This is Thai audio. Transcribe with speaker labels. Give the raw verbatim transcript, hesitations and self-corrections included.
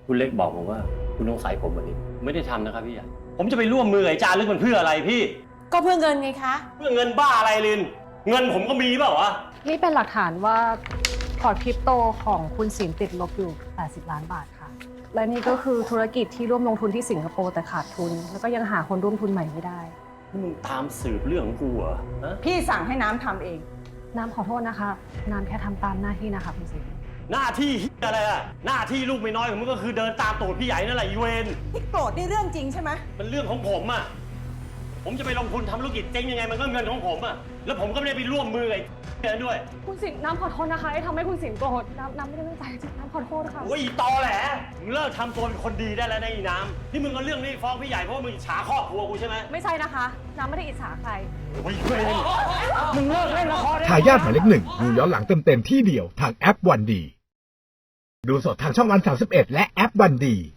Speaker 1: คุณเล็กบอกผมว่าคุณต้องใส่ผมวันนี้ไม่ได้ทำนะครับพี่ใหญ่ผมจะไปร่วมมือไอ้จารึกมันเพื่ออะไรพี่
Speaker 2: ก็เพื่อเงินไงคะ
Speaker 1: เพื่อเงินบ้าอะไรลินเงินผมก็มีเปล่าวะ
Speaker 3: นี่เป็นหลักฐานว่าพอร์ตคริปโตของคุณสินติดลบอยู่แปดสิบล้านบาทค่ะและนี่ก็คือธุรกิจที่ร่วมลงทุนที่สิงคโปร์แต่ขาดทุนแล้วก็ยังหาคนร่วมทุนใหม่ไม่ได้
Speaker 1: นี่มึงตามสืบเรื่องของกูเหรอฮะ
Speaker 2: พี่สั่งให้น้ำทำเอง
Speaker 3: น้ำขอโทษนะคะน้ำแค่ทำตามหน้าที่นะคะคุณสิน
Speaker 1: หน้าที่อะไรอะหน้าที่ลูกไม่น้อยของมึงก็คือเดินตามตูดพี่ใหญ่นั่นแหละอีเวน
Speaker 2: ที่โกรธนี่เรื่องจริงใช่ไหม
Speaker 1: มันเรื่องของผมอะผมจะไปลงทุนทำธุรกิจเจ๊งยังไงมันก็เงินของผมอะแล้วผมก็ไม่ได้ไปร่วมมือไอ้นั้นด้วย
Speaker 3: คุณสินน้ำขอโทษนะคะที่ทำให้คุณสินโกรธน้ำน้ำไม่ได้ตั้งใจจริงน้ำขอโทษค่ะ
Speaker 1: โอ้ยตอแหละมึงเลิกทำตัวเป็นคนดีได้แล้วนะอีน้ำที่มึงเอาเรื่องนี้ฟ้องพี่ใหญ่เพราะว่ามึงอิจฉาครอบครัวกูใช่ไหม
Speaker 3: ไม่ใช่นะคะน้ำไม่ได้อิจฉาใคร
Speaker 1: โอ้ยเว้ยมึงเลิกเล่นละคร
Speaker 4: ทายาทหมายเลขหนึ่งดูย้อนหลังเต็มๆที่เดียวทางแอปวันดีดูสดทางช่องวันสามสิบเอ็ดและแอปวันดี